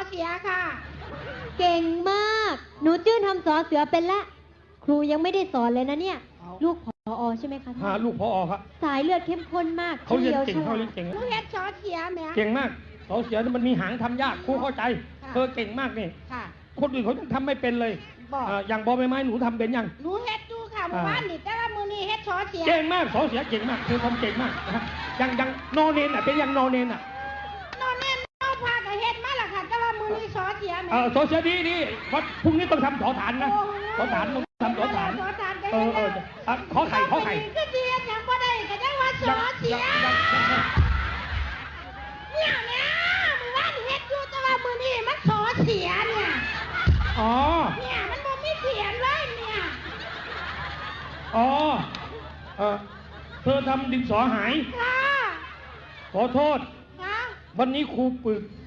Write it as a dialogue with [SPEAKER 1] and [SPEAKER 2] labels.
[SPEAKER 1] เสียค่ะ
[SPEAKER 2] เก่งมากหนูจื้นทำสอเสือเป็นละครูยังไม่ได้สอนเลยนะเนี่ยลูกผอ.ใช่ไหมคะ
[SPEAKER 3] ลูกผอ.ครับ
[SPEAKER 2] สายเลือดเข้มข้นมาก
[SPEAKER 3] เขาเรียนเก่งเขาเรียนเก่ง
[SPEAKER 1] หนูเฮ็ดสอเสียแม่
[SPEAKER 3] เก่งมากสอเสือมันมีหางทำยากครูเข้าใจเธอเก่งมากนี่คนอื่นเขายังทำไม่เป็นเลยอย่างบอใบไม้หนูทำเป็นยัง
[SPEAKER 1] หนูเฮ็ดดูค่ะเมื่อวานนี่แต่ว่ามื้อนี้เฮ็ดสอเสีย
[SPEAKER 3] เก่งมากสอเสือเก่งมากเธอทำเก่งมากยังโนเนนเป็นยังโนเนน
[SPEAKER 1] โนเนนเอาพากับเฮ็ดมาล่ะค่ะแต่ว่ามื้อนี้สอเสียแม่
[SPEAKER 3] สอเสือดีเพราะพรุ่งนี้ต้องทำสอฐานนะสอฐานต้องทำสอฐานขอไข่
[SPEAKER 1] ก็ดียังบ่ได้ก็ยังว่าสอเสียเนี่ยเมื่อวานเฮ็ดอยู่แต่ว่ามื้อนี้มันสอเสียเนี่ยเนี่ยมันบ่มีเขียนเลยเนี่ย
[SPEAKER 3] เธอทำดินสอหาย
[SPEAKER 1] ค่ะ
[SPEAKER 3] ขอโทษ
[SPEAKER 1] ค่ะ
[SPEAKER 3] วันนี้ครูฝึก